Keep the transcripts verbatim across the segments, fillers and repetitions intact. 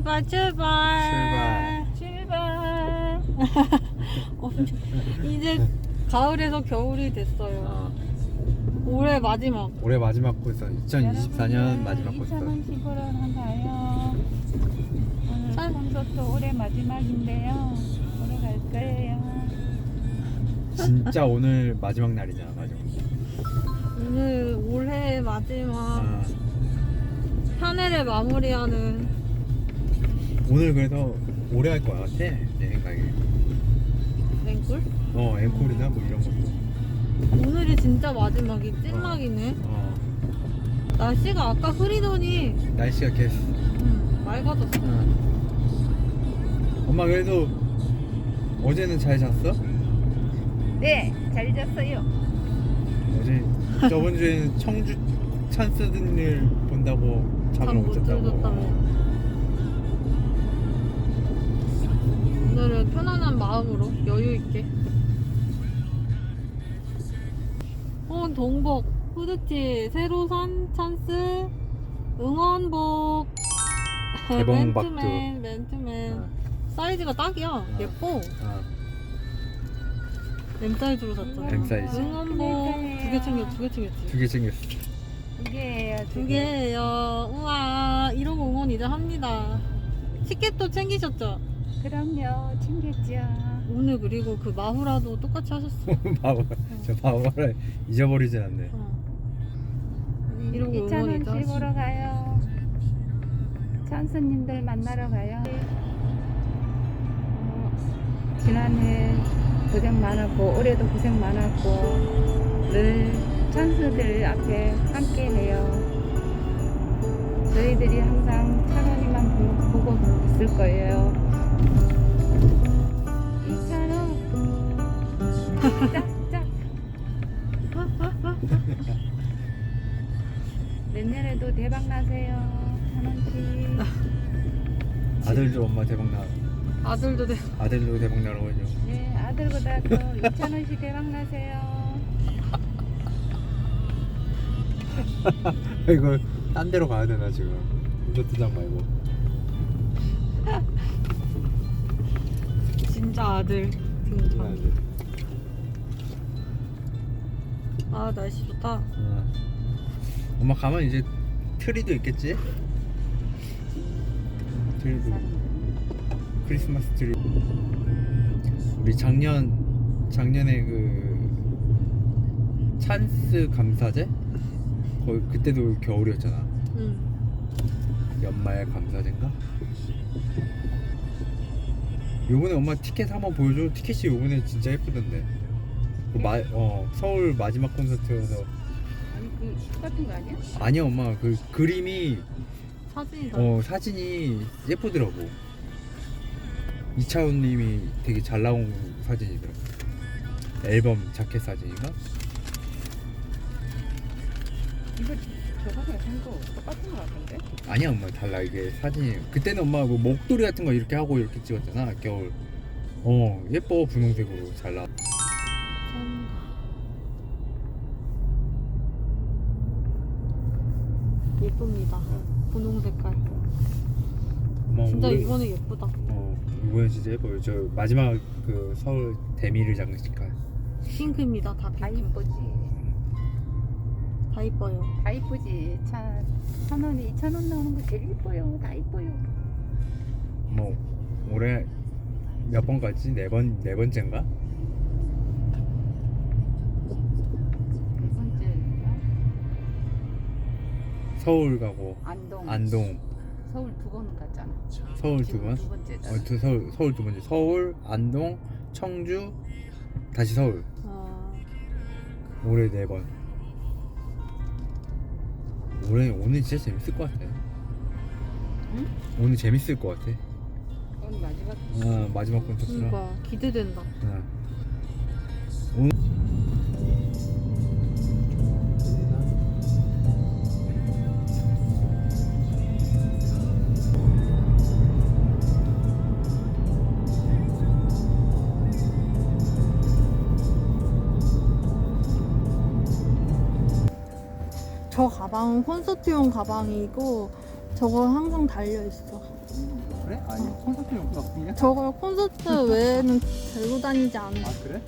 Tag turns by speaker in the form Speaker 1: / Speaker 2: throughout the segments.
Speaker 1: 출발 출발
Speaker 2: 출발.
Speaker 1: 어, 이제 가을에서 겨울이 됐어요.
Speaker 2: 어,
Speaker 1: 올해 마지막.
Speaker 2: 올해 마지막 코스 이천이십사 년 마지막 코스.
Speaker 3: 이천십오로 가요. 오늘
Speaker 1: 참.
Speaker 3: 콘서트 올해 마지막인데요. 오래 갈 거예요.
Speaker 2: 진짜 오늘 마지막 날이냐 마지막.
Speaker 1: 오늘 올해 마지막
Speaker 2: 어,
Speaker 1: 한 해를 마무리하는.
Speaker 2: 오늘 그래서 오래 할 것 같아 내 생각에.
Speaker 1: 랭꿀?
Speaker 2: 어 앵콜이나 뭐 이런 것도.
Speaker 1: 오늘이 진짜 마지막이 찐막이네.
Speaker 2: 어
Speaker 1: 날씨가 아까 흐리더니
Speaker 2: 날씨가 계속.
Speaker 1: 음, 맑아졌어.
Speaker 2: 어. 엄마 그래도 어제는 잘 잤어?
Speaker 3: 네, 잘 잤어요.
Speaker 2: 어제 저번 주에는 청주 찬스들 본다고 잠을
Speaker 1: 잠
Speaker 2: 못
Speaker 1: 못
Speaker 2: 잤다고.
Speaker 1: 들었다며. 오늘은 편안한 마음으로 여유 있게. 어, 동복, 후드티, 새로 산 찬스, 응원복,
Speaker 2: 개봉박두.
Speaker 1: 맨투맨, 맨투맨.
Speaker 2: 어.
Speaker 1: 사이즈가 딱이야. 예뻐.
Speaker 2: 어.
Speaker 1: M 사이즈로 샀잖아.
Speaker 2: M 사이즈.
Speaker 1: 응원복 두 개 챙겼, 두 개 챙겼지.
Speaker 2: 두 개 챙겼어.
Speaker 3: 두 개예요.
Speaker 1: 두 개예요. 우와, 이러고 응원 이제 합니다. 티켓도 챙기셨죠?
Speaker 3: 그럼요, 챙겼죠.
Speaker 1: 오늘 그리고 그 마후라도 똑같이 하셨어.
Speaker 2: 바보, 저 바보를 잊어버리진 않네.
Speaker 1: 어. 이러고 응원
Speaker 3: 이천 원
Speaker 1: 이제 하시.
Speaker 3: 씹으러 가요. 찬스님들 만나러 가요. 어, 지난해 고생 많았고 올해도 고생 많았고 늘 찬스들 앞에 함께 해요. 저희들이 항상 찬원이만 보고 있을 거예요. 이찬원 짝짝. 내년에도 대박 나세요, 찬원 씨.
Speaker 2: 아들도 엄마 대박 나.
Speaker 1: 아들도 돼.
Speaker 2: 아들도 대박 나라고 해줘.
Speaker 3: 네, 아들보다도 이찬원 씨 대박 나세요.
Speaker 2: 이거 딴 데로 가야 되나 지금? 콘서트장 말고.
Speaker 1: 진짜 아들 등장.
Speaker 2: 아들.
Speaker 1: 아, 날씨 좋다.
Speaker 2: 어. 엄마 가면 이제 트리도 있겠지? 트리도. 크리스마스 트리. 우리 작년 작년에 그 찬스 감사제 거의 그때도 겨울이었잖아.
Speaker 1: 응.
Speaker 2: 연말 감사제인가? 요번에 엄마 티켓 한번 보여줘. 티켓이 요번에 진짜 예쁘던데. 그 마, 어 서울 마지막 콘서트여서.
Speaker 3: 아니 그 똑같은 거 아니야?
Speaker 2: 아니야 엄마 그 그림이
Speaker 1: 사진이다.
Speaker 2: 어 사진이 예쁘더라고. 이차훈님이 되게 잘 나온 사진이더라고. 앨범 자켓 사진인가?
Speaker 3: 이거 저번에 산 거 똑같은 거 같은데?
Speaker 2: 아니야 엄마 달라. 이게 사진이 그때는 엄마 뭐 목도리 같은 거 이렇게 하고 이렇게 찍었잖아 겨울. 어 예뻐. 분홍색으로 잘 나와.
Speaker 1: 참. 예쁩니다. 분홍 색깔.
Speaker 2: 엄마
Speaker 1: 진짜
Speaker 2: 올해-
Speaker 1: 이번에 예쁘다.
Speaker 2: 어 이번에 진짜 예뻐요. 저 마지막 그 서울 대미를 장식할.
Speaker 1: 핑크입니다. 다
Speaker 3: 다
Speaker 1: 핑크.
Speaker 3: 이쁘지.
Speaker 1: 다 이뻐요.
Speaker 3: 다 이쁘지. 천, 천 원이 이천 원 나오는 거 제일 이뻐요. 다 이뻐요.
Speaker 2: 뭐 올해 몇 번 갔지? 네 번, 네 번째인가?
Speaker 3: 네 번째인가?
Speaker 2: 서울 가고
Speaker 3: 안동.
Speaker 2: 안동.
Speaker 3: 서울 두 번 갔잖아.
Speaker 2: 서울 두
Speaker 3: 지금
Speaker 2: 번?
Speaker 3: 두 번째잖아.
Speaker 2: 어, 두 서울 서울 두 번째. 서울, 안동, 청주, 다시 서울.
Speaker 1: 아,
Speaker 2: 올해 네 번. 올해 오늘 진짜 재밌을 것 같아.
Speaker 3: 응?
Speaker 2: 오늘 재밌을 것 같아.
Speaker 3: 오늘 마지막.
Speaker 2: 아 마지막 콘서트라.
Speaker 1: 그러니까 기대된다.
Speaker 2: 아. 오늘
Speaker 1: 저 가방은 콘서트용 가방이고 저거 항상 달려 있어.
Speaker 2: 그래? 아니 콘서트용 가방이야?
Speaker 1: 저걸 콘서트 외에는 들고 다니지 않아.
Speaker 2: 아 그래?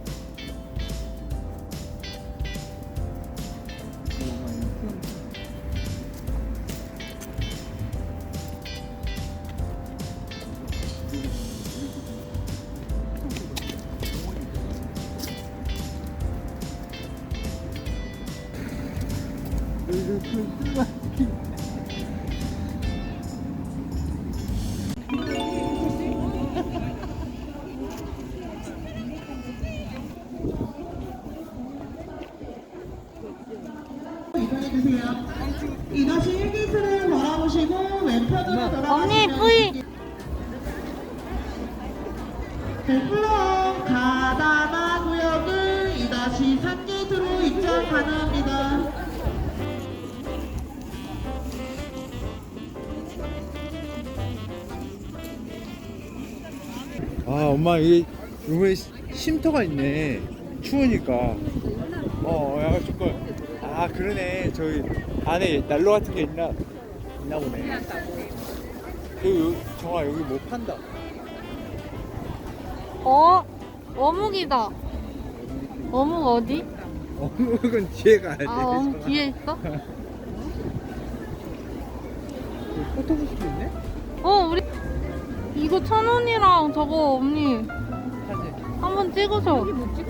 Speaker 4: 이동해주세요. 이것이 일 게이트를 바라보시고 왼편으로 돌아가시면
Speaker 1: 언니 뿌이.
Speaker 4: 플로어 가다마 구역을 이다시 삼 게이트로 입장 가능합니다.
Speaker 2: 아 엄마 이게 이번에 쉼터가 있네. 추우니까. 어 약간 조금. 아 그러네. 저기 안에 난로 같은 게 있나 있나 보네. 여기 여기 정아 여기 뭐 판다.
Speaker 1: 어? 어묵이다. 어묵 어디?
Speaker 2: 어묵은 뒤에 가야 돼.
Speaker 1: 아 어묵 뒤에 있어?
Speaker 2: 포토부스도 있네.
Speaker 1: 어 우리 이거 천 원이랑 저거 언니
Speaker 2: 사진.
Speaker 1: 한번 찍어줘.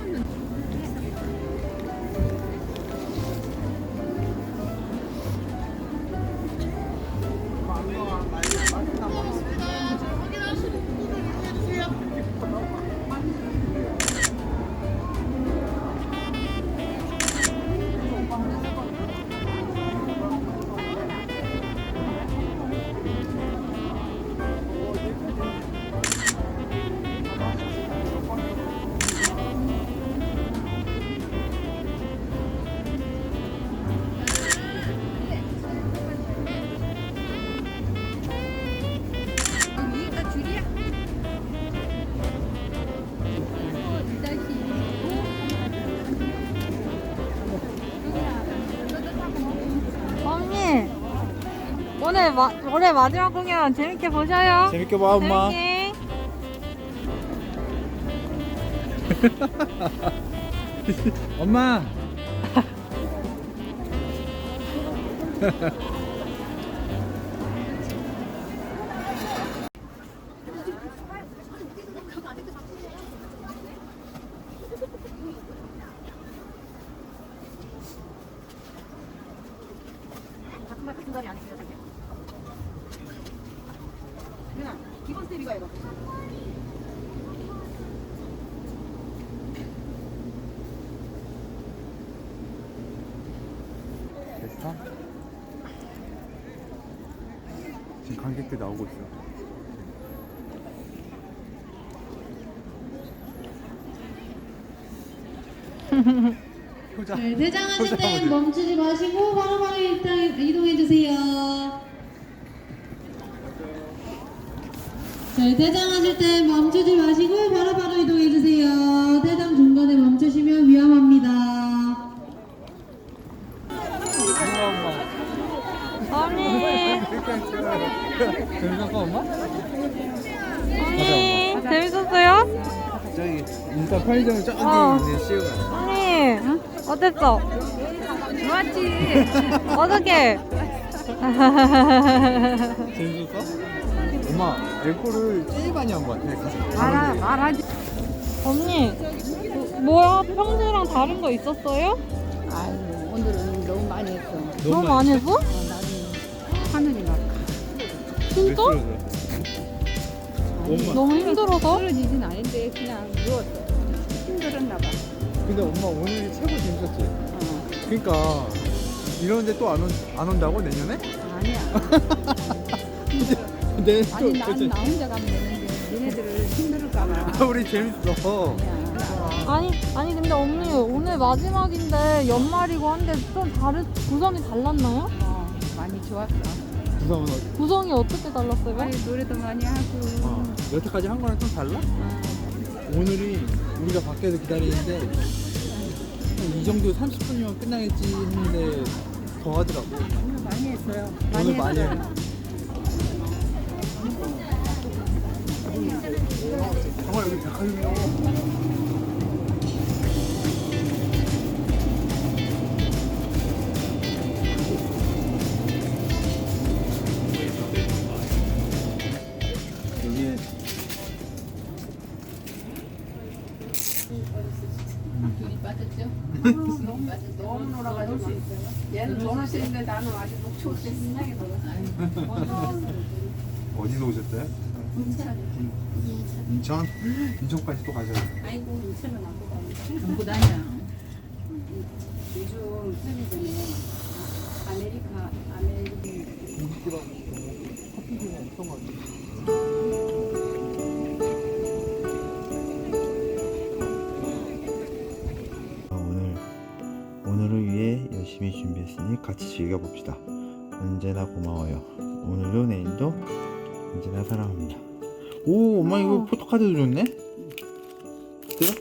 Speaker 1: 언니 오늘 마, 올해 마지막 공연 재밌게 보셔요.
Speaker 2: 재밌게 봐 엄마.
Speaker 1: 재밌게.
Speaker 2: 엄마. 됐어? 지금 관객들 나오고 있어. 효자.
Speaker 5: 네, 대장하실
Speaker 2: 효자
Speaker 5: 때
Speaker 2: 모델.
Speaker 5: 멈추지 마시고 바로바로 일단 이동해 주세요. 네, 대장하실 때 멈추지 마시고 바로바로 이동해 주세요. 대장 중간에 멈추시면 위험합니다.
Speaker 1: 언니
Speaker 2: 재밌었어 엄마?
Speaker 1: 언니 재밌었어요?
Speaker 2: 저기 인사 편의점 저기
Speaker 1: 어.
Speaker 2: 있는 시우가.
Speaker 1: 언니 어땠어?
Speaker 3: 좋았지.
Speaker 1: 어떻게?
Speaker 2: 재밌었어? 엄마 앵콜을 제일 많이 한 것 같아. 가서.
Speaker 3: 말하, 말하지.
Speaker 1: 언니 그, 뭐야 평소랑 다른 거 있었어요?
Speaker 3: 아유, 오늘은 너무 많이 했어.
Speaker 1: 너무 많이 했어?
Speaker 3: 어, 나는 하늘이 막
Speaker 1: 진짜?
Speaker 2: 엄마.
Speaker 1: 너무 힘들어서?
Speaker 3: 떨어지진 않은데 그냥 누웠어. 힘들었나 봐.
Speaker 2: 근데 엄마 오늘이 최고 재밌었지.
Speaker 3: 어,
Speaker 2: 그러니까 이러는데 또 안 온, 안 온다고 내년에?
Speaker 3: 아니야.
Speaker 2: 네.
Speaker 3: 아니, 난 나 혼자 가면 되는데 니네들을 힘들을까 봐.
Speaker 2: 우리 재밌어.
Speaker 3: 그냥.
Speaker 1: 아니 아니 근데 언니 오늘 마지막인데 연말이고 한데 좀 다른 구성이 달랐나요?
Speaker 3: 어, 많이 좋았어.
Speaker 2: 구성은
Speaker 1: 구성이 어떻게 달랐어요?
Speaker 3: 아니, 노래도 많이 하고.
Speaker 2: 어, 여태까지 한 거랑 좀 달라?
Speaker 3: 어,
Speaker 2: 오늘이 우리가 밖에서 기다리는데 이 정도 삼십 분이면 끝나겠지 했는데 더 하더라고.
Speaker 3: 오늘 많이 했어요.
Speaker 2: 오늘 많이
Speaker 3: 했어요.
Speaker 2: 해. 여기 백화점이요. 여기에
Speaker 3: 눈이 빠졌죠? 너무 빠져. 너무 놀아가지고. 얘는 돈을 쓰는데 나는 아직 목초 때 신나게 놀았어.
Speaker 2: 어디서 오셨어요? 인천? 인천까지 또 가셔야 돼요.
Speaker 3: 아이고, 인천은 안 보다. 전부 다냐. 요즘 편의점에 아메리카, 아메리카.
Speaker 2: 커피숍이 엄청 많아요. 오늘 오늘을 위해 열심히 준비했으니 같이 즐겨봅시다. 언제나 고마워요. 오늘도 내일도 언제나 사랑합니다. 오, 엄마 이거 포토카드도 줬네? 그래?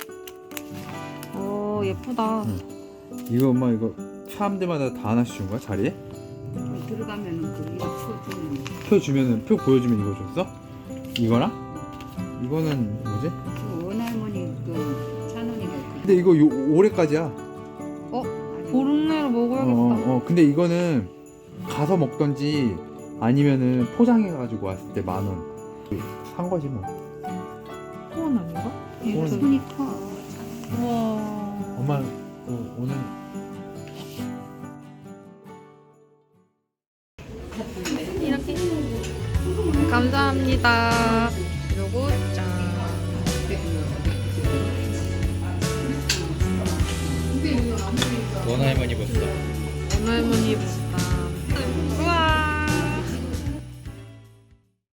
Speaker 1: 오 예쁘다.
Speaker 2: 이거 엄마 이거 사람들마다 다 하나씩 준 거야? 자리에?
Speaker 3: 들어가면은 그 이거 쳐주는
Speaker 2: 표 주면은 표 보여주면 이거 줬어? 이거랑? 이거는 뭐지?
Speaker 3: 그 원할머니 그 찬원이가
Speaker 2: 근데 이거 요, 올해까지야.
Speaker 1: 어 보름 내로
Speaker 2: 어,
Speaker 1: 먹어야겠다.
Speaker 2: 어, 근데 이거는 가서 먹던지 아니면은 포장해가지고 왔을 때 만 원. 산 거지 뭐.
Speaker 1: 소원 아닌가?
Speaker 2: 소원.
Speaker 3: 손이 커.
Speaker 1: 우와.
Speaker 2: 엄마 그 오늘
Speaker 1: 이렇게 감사합니다. 요거 짠.
Speaker 2: 원 할머니 봤어.
Speaker 1: 오늘 할머니 입었다.